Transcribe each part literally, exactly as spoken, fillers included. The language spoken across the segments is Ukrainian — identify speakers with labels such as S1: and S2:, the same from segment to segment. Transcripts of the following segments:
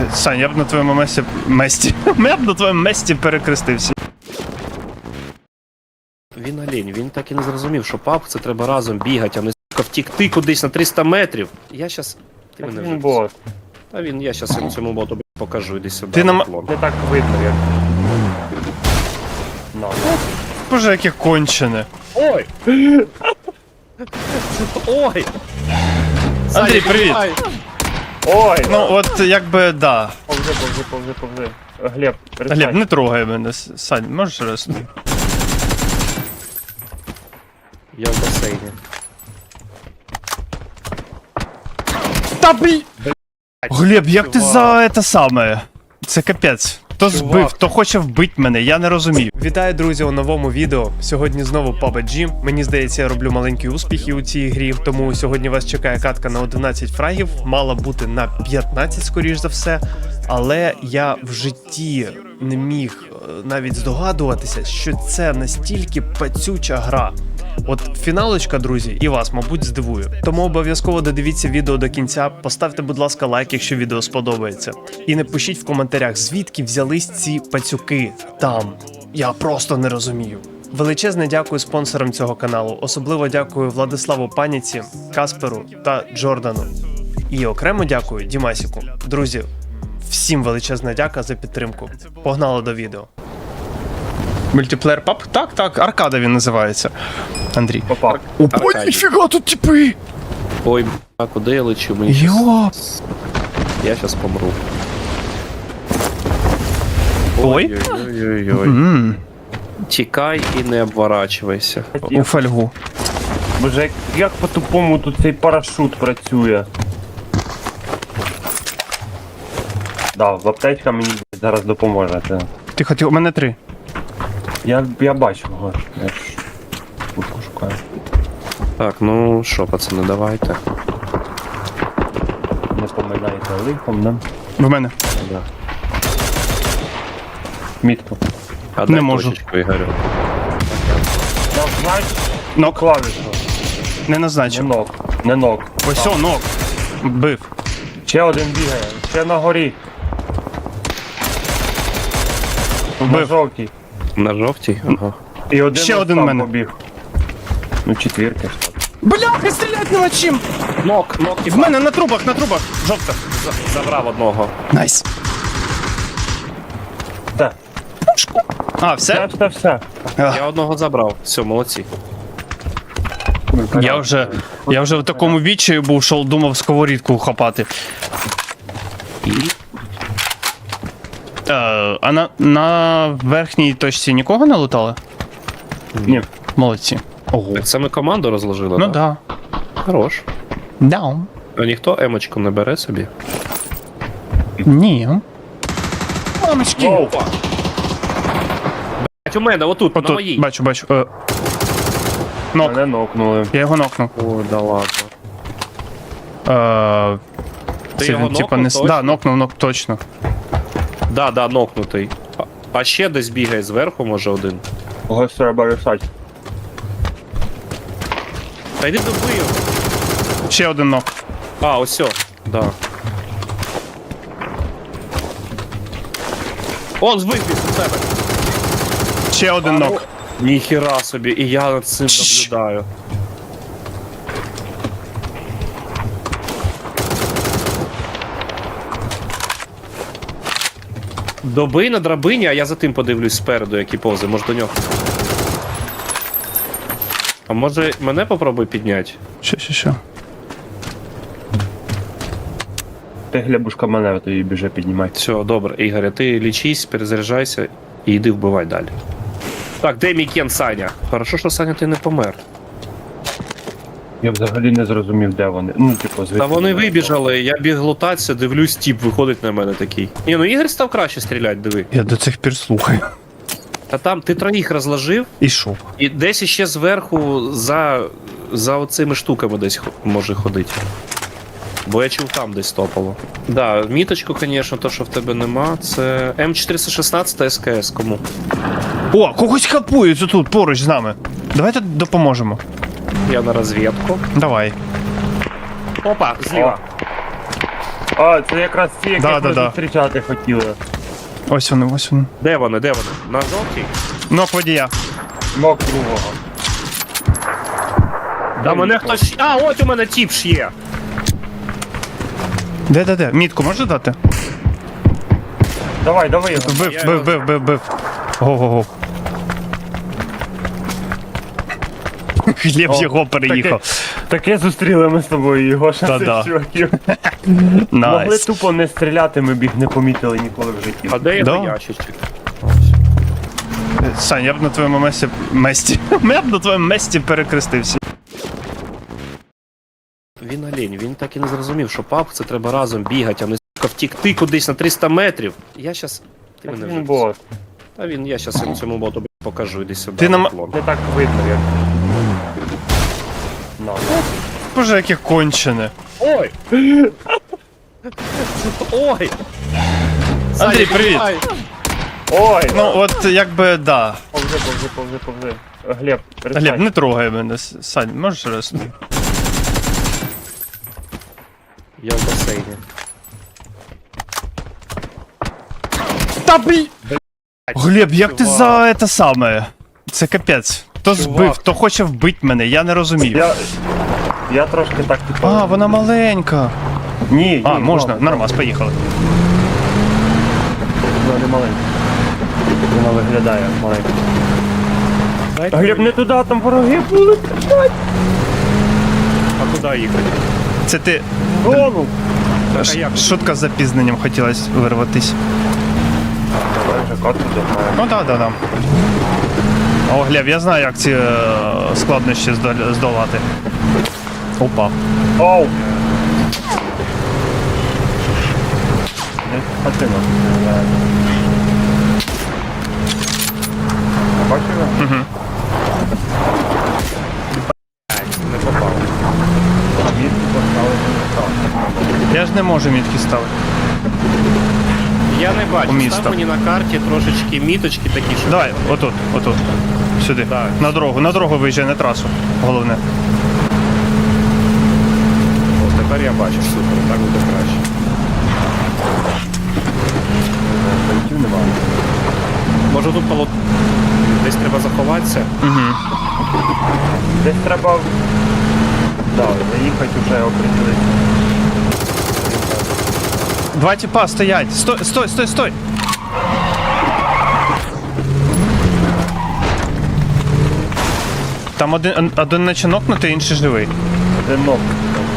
S1: Сань, я б на твоєму месті... месті. Я б на твоєму месті перекрестився.
S2: Він олень, він так і не зрозумів, що паб це треба разом бігати, а не сука втікти кудись на триста метрів. Я щас... Ти мене
S3: Він
S2: вже...
S3: бот.
S2: Та він, я щас йому цьому боту покажу, іди сюди.
S1: Ти нам-
S2: Атлон.
S3: Не так видно, як. На.
S1: Боже, яке кончене.
S2: Ой! Ой!
S1: Андрій,
S2: Саня,
S1: привіт.
S2: давай.
S3: Ой!
S1: Ну, от, якби, да.
S3: Повзи, повзи, повзи, повзи. Глеб, перестань.
S1: Глеб, не трогай мене. Сань, можеш раз?
S2: Я в басейні.
S1: Та блін! Глеб, як ти
S2: чувак.
S1: за це саме? Це капець. Хто
S2: Чувак.
S1: збив, хто хоче вбити мене, я не розумію. Вітаю, друзі, у новому відео. Сьогодні знову паб джі. Мені здається, я роблю маленькі успіхи у цій грі, тому сьогодні вас чекає катка на одинадцять фрагів, мала бути на п'ятнадцять, скоріш за все. Але я в житті не міг е, навіть здогадуватися, що це настільки пацюча гра. От фіналочка, друзі, і вас, мабуть, здивує. Тому обов'язково додивіться відео до кінця, поставте, будь ласка, лайк, якщо відео сподобається. І напишіть в коментарях, звідки взялись ці пацюки там. Я просто не розумію. Величезне дякую спонсорам цього каналу. Особливо дякую Владиславу Паніці, Касперу та Джордану. І окремо дякую Дімасіку. Друзі, всім величезна дяка за підтримку. Погнали до відео. Мультиплеєр паб? Так, так, аркада він називається. Андрій.
S3: Попав.
S2: Аркадій.
S1: Ніфіга тут типи!
S2: Ой, а куди я лечу? Мені щас-
S1: Йоп!
S2: Я щас помру.
S1: Ой.
S2: Ой-ой-ой.
S1: Ммм,
S2: Тікай і не обворачувайся.
S1: у фольгу.
S3: Боже, як, як по-тупому тут цей парашут працює. Да, в аптечка мені зараз допоможе. Це.
S1: Ти хотів, у мене три.
S3: Я, я бачу його. Я ж куртку шукаю.
S2: Так, ну що, пацани, давайте.
S3: Не поминайте лихом, да?
S1: В мене.
S2: Да.
S3: Мітку.
S2: А
S1: Не
S2: дай
S1: можу.
S2: точечку, Ігорю.
S3: Я знаю,
S1: Нок.
S3: клавішу.
S1: Не
S3: Не
S1: назначив.
S3: ног. Не ног.
S1: Ось о, нок. Бив.
S3: Ще один бігає. Ще на горі. На
S1: Бив.
S3: жовтій.
S2: На жовтій? Ага.
S3: І один
S1: Ще
S3: ось
S1: один
S3: там
S1: в мене.
S3: побіг. Ну, четвірки.
S1: Бляха, стріляти нема чим!
S2: Нок, нок,
S1: В мене на трубах, на трубах. Жовта.
S2: забрав одного.
S1: Найс.
S3: Все.
S1: А,
S3: Все,
S1: все?
S3: все, все.
S1: Ах,
S2: Я одного забрав. Все, молодці.
S1: Я вже, я вже в такому відчаю був, що думав сковорідку хапати.
S2: І
S1: Е, а на, на верхній точці нікого не лутали?
S3: Ні.
S1: Молодці. Ого.
S2: так це ми команду розложили,
S1: Ну
S2: так?
S1: да.
S2: Хорош.
S1: Да.
S2: А ніхто емочку не бере собі?
S1: Ні. Мамочки.
S3: Воу.
S2: У мене, отут, на
S1: Отут,
S2: моїй.
S1: бачу, бачу. Е, нок.
S3: Мене нокнули.
S1: Я його нокнув.
S2: О, да ладно.
S1: Е,
S2: Ти
S1: це
S2: його
S1: він, типа,
S2: нокнув
S1: не... с-
S2: точно?
S1: Да, нокнув, нок, точно.
S2: Да, да, нокнутий. А, а ще десь бігає зверху, може один.
S3: Когось треба рішати.
S2: Та йди добий його.
S1: Ще один нок.
S2: А, ось о. Да. Он вибіг у тебе.
S1: Ще один нок.
S2: Ніхіра собі, і я над цим
S1: Чш.
S2: наблюдаю. Добий на драбині, а я за тим подивлюсь спереду, які повзи, може до нього. А може мене попробуй підняти?
S1: Що, що, що?
S3: Ти глебушка мене тоді біже піднімати.
S2: Все, добре, Ігоря, ти лічись, перезаряджайся і йди вбивай далі. Так, де мій кен Саня? Хорошо, що Саня ти не помер.
S3: Я взагалі не зрозумів, де вони. Ну, типу, звідки.
S2: Та вони вибіжали, я біг лутатися, дивлюсь, тіп виходить на мене такий. Ні, ну Ігор став краще стріляти, диви.
S1: Я до цих пір слухаю.
S2: Та там ти троїх розложив,
S1: І що?
S2: і десь іще зверху за, за оцими штуками десь хо- може ходити. Бо я чув там десь топало. Да, міточку, звісно, то, що в тебе нема, це М чотириста шістнадцять СКС, кому?
S1: О, когось хапують тут поруч з нами. Давайте допоможемо.
S2: Я на розвідку.
S1: Давай.
S2: Опа, зліва.
S3: А, це якраз ті, яких
S1: Да, да,
S3: ми
S1: да.
S3: зустрічати хотіли.
S1: Ось вони, ось вони.
S2: Де вони, де вони? На жовтій?
S1: Нок водія.
S3: Ног другого.
S2: Да мене хтось... А, ось у мене тіп ж є.
S1: Де, де, де? Мітку можеш дати?
S3: Давай, давай його.
S1: Вбив,
S2: Я
S1: бив,
S2: його-
S1: бив, бив, бив. Го-го-го. Глеб
S3: О,
S1: його переїхав.
S3: Таке зустріли ми з тобою, його ще
S1: Та-да.
S3: цих чуваків. Могли
S1: Найс.
S3: тупо не стріляти, ми б їх не помітили ніколи в житті.
S2: А де його
S1: Да.
S2: ящичок?
S1: Сань, я б на твоєму месті... месті. Я б на твоєму месті перекрестився.
S2: Він олень, він так і не зрозумів, що пап це треба разом бігати, а не сука втікти кудись на триста метрів. Я щас... Ти
S3: Так
S2: мене
S3: він
S2: вже...
S3: бот.
S2: Та він, я щас цьому боту б**, покажу, іди сюди.
S1: Ти нам-
S2: Мефлон.
S3: Не так видно, як. На, на.
S1: Боже, яке кончене.
S2: Ой! Ой!
S1: Андрій,
S2: Саня,
S1: привіт.
S2: давай.
S3: Ой!
S1: Ну, от якби, да.
S3: Повзи, повзи, повзи, повзи. Глеб, перестань.
S1: Глеб, не трогай мене. Сань, можеш раз?
S2: Я в басейні.
S1: Та блін! Глеб, як ти
S2: чувак.
S1: за це саме? Це капець. Хто збив, хто хоче вбити мене, я не розумію.
S3: Я... Я трошки так типу...
S1: А, вона маленька.
S3: Ні, ні.
S1: А, можна,
S3: ладно,
S1: нормас, поїхали.
S3: Вона не маленька. Вона виглядає маленька.
S2: Дайте
S3: Глеб,
S2: мені.
S3: не туди, там вороги були.
S2: А куди їхати?
S1: Це ти.
S3: Зону.
S2: Так, а як?
S1: Шутка з запізненням хотілося вирватись.
S3: Давай вже катку допомагаємо.
S1: Ну так, так, так. О, Глеб, я знаю, як ці е, складнощі здол- здолати. Опа.
S3: Оу! Десь хатина. Бачив його?
S1: Угу.
S2: Не попав.
S3: Мітку поставили не так.
S1: Я ж не можу мітки ставити.
S2: Я не бачу,
S1: У місто.
S2: став мені на карті трошечки міточки такі, що...
S1: Давай, отут, отут. Сюди.
S2: Так.
S1: На дорогу, на дорогу виїжджай, на трасу. Головне.
S2: О, тепер я бачу, супер, так буде краще.
S3: Байтів немає.
S2: Може тут полот... Десь треба заховатися?
S1: Угу.
S3: Десь треба... Да, заїхати вже оприділитися.
S1: Два тіпа стоять. Стой, стой, стой, стой. Там один, один наче нокнутий, інший живий.
S3: Один ног.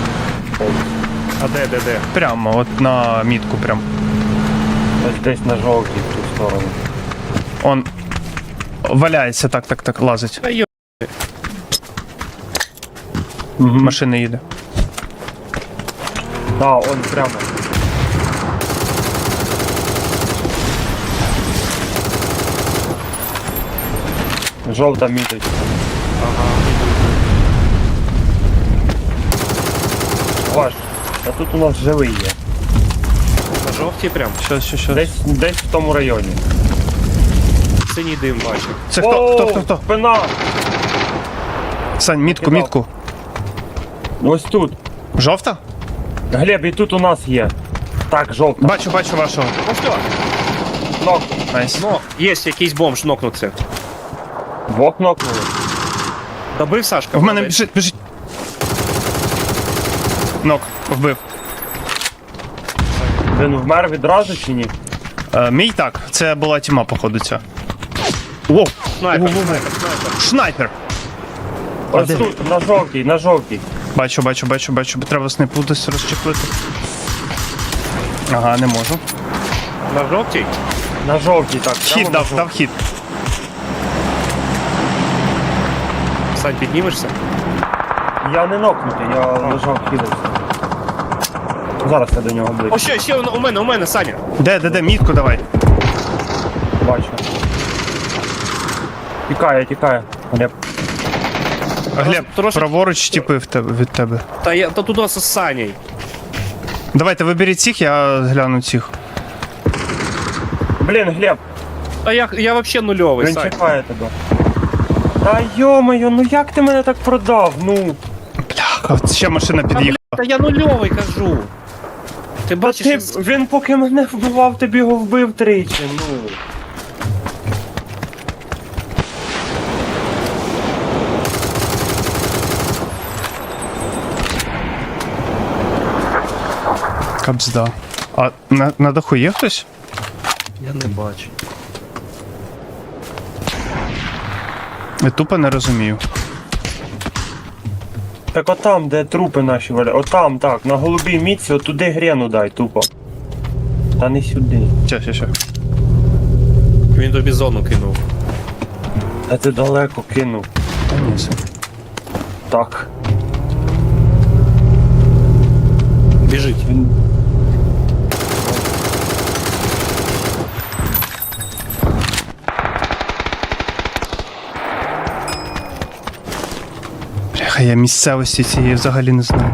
S2: А де, де, де?
S1: Прямо, от на мітку прям.
S3: Ось десь на жовтій в ту сторону.
S1: Он валяється, так, так, так, лазить.
S2: Та йо...
S1: Машина їде.
S3: Да, он прямо. Жовта міточка. Ваш. А тут у нас живий є.
S2: На жовтій прям?
S1: Що, що, що?
S3: Десь, десь в тому районі.
S2: Синій дим бачу.
S1: Це хто,
S3: Оу,
S1: хто, хто, хто?
S3: Спина!
S1: Сань, мітку,
S3: Кидав.
S1: мітку.
S3: Ось тут.
S1: Жовта?
S3: Глеб, і тут у нас є. Так, жовта.
S1: Бачу, бачу вашого.
S2: Ну що?
S3: Нок.
S1: Найс.
S2: Ну, є якийсь бомж нокнувся.
S3: Двох нокнули.
S2: Добив Сашка?
S1: В мене
S2: молодець.
S1: біжить, біжить. Нок, вбив.
S3: Він вмер відразу чи ні?
S1: Е, мій так, це була тіма, походу, ця. Воу,
S2: Снайпер, снайпер, снайпер.
S1: снайпер!
S3: Ось
S1: де?
S3: тут, на жовтій, на жовтій.
S1: Бачу, бачу, бачу, бачу. Треба снайпу десь розчехлити. Ага, не можу.
S2: На жовтій?
S3: На жовтій, так. прямо
S1: Хід
S3: на
S1: дав,
S3: жовтій.
S1: дав хід.
S2: Сань, піднімешся?
S3: Я не нокнутий, я лежав хилився. Зараз я до нього
S2: О,
S3: ближче.
S2: ще, ще у мене, у мене, Саня.
S1: Де, де, де, мітку давай.
S3: Бачу. Тікає, тікає. Глеб.
S1: Глеб,
S2: трошки-
S1: праворуч тіпи в тебе, від тебе.
S2: Та я та туди з Саней.
S1: Давайте виберіть цих, я гляну цих.
S3: Блін, Глеб,
S2: А я, я вообще нульовий,
S3: він
S2: Сань.
S3: чекає тебе. Та йо-моє, ну як ти мене так продав? Ну.
S1: Бляха, ще машина
S2: Та,
S1: під'їхала.
S2: бля, та я нульовий кажу. Ти бачиш,
S3: Ти,
S2: як-
S3: він поки мене вбивав, тобі його вбив тричі, ну.
S1: Кабзда. А на, на даху є хтось?
S2: я не бачу.
S1: Я тупо не розумію.
S3: Так отам, де трупи наші валя. Отам, так, на голубій мітці, отуди грену дай, тупо. Та не сюди.
S1: Ща, ща, ща.
S2: Він тобі зону кинув.
S3: Та ти далеко кинув.
S1: Та ні, все.
S3: Так.
S2: Біжить.
S3: Він...
S1: Бляха, я місцевості цієї взагалі не знаю.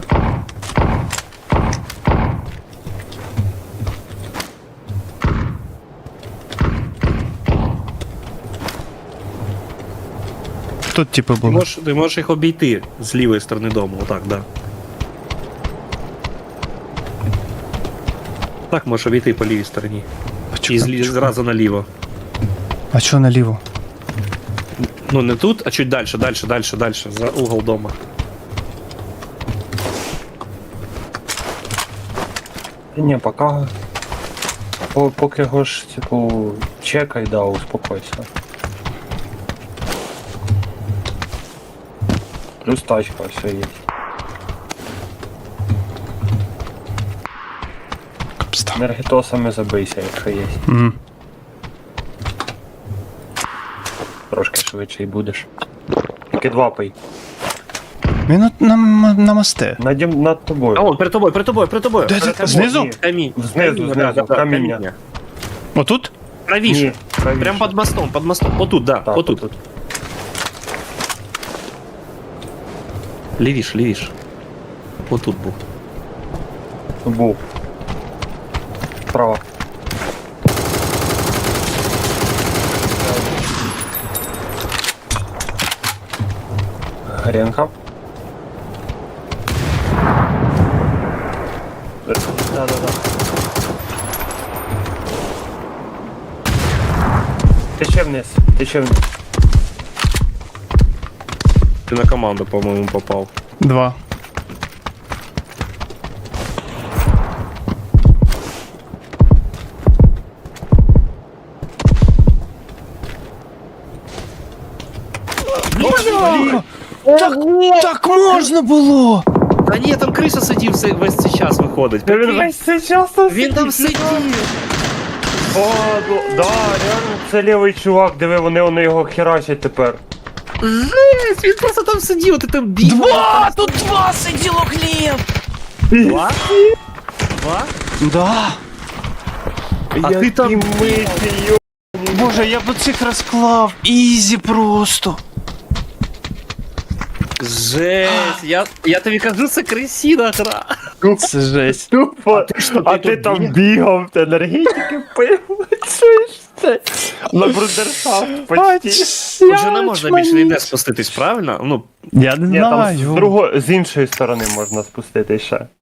S1: Тут типу
S2: Ти
S1: було.
S2: можеш, ти можеш їх обійти з лівої сторони дому, отак, да. Так можеш обійти по лівій стороні. І
S1: Почекай,
S2: злі,
S1: почекай.
S2: зразу наліво.
S1: А чого наліво?
S2: Ну не тут, а чуть далі, далі, далі, далі, за угол дома.
S3: Та ні, поки... По, поки його ж, типу, чекай, да, успокойся. Плюс тачка, все є.
S1: Кабзда.
S3: Енергетосами забийся, якщо є.
S1: Мгм.
S3: Трошки швидше і будеш. Тільки два пий.
S1: Він от на, на мосте.
S3: Надім над тобою.
S2: А он, перед тобою, перед тобою, перед тобою.
S1: Де
S3: перед
S1: ти?
S3: тобою,
S1: Знизу?
S3: ні.
S2: Камінь.
S3: Знизу,
S2: Каміння,
S3: знизу,
S2: да, да,
S3: каміння.
S1: Отут?
S2: Правіше.
S3: Ні, правіше.
S2: Прям під мостом, під мостом. Отут, да,
S3: Так,
S2: отут.
S3: отут.
S2: Лівіш, лівіш. Отут був.
S3: Був. Справа. Гренка. Да-да-да. Тече вниз, тече вниз.
S2: Ти на команду, по-моєму, попав.
S1: Два. Так, так можна було!
S2: Та ні, там криса сидів все- весь цей час виходить.
S3: Він весь цей час там
S2: Він там сидів.
S3: О, ну, да, реально, це лівий чувак, диви, вони, вони його херачать тепер.
S2: Жесть, він просто там сидів, ти там бігав.
S1: Два! Тут два сиділо Глеб!
S2: Два? Два?
S1: Да!
S2: А ти там
S3: миті, йо.
S1: Боже, я б цих розклав. Ізі просто.
S2: Жесть, я, я тобі кажу, це крисіна гра.
S1: Це жесть.
S3: Тупо, а ти,
S2: тут
S3: там
S2: біг?
S3: бігав, ти енергетики пив, чуєш це? На брудершафт почти.
S2: Вже не можна більше ніде спуститись, правильно? Ну,
S1: Я не
S3: Ні, там з,
S1: знаю.
S3: друго, з іншої сторони можна спустити ще.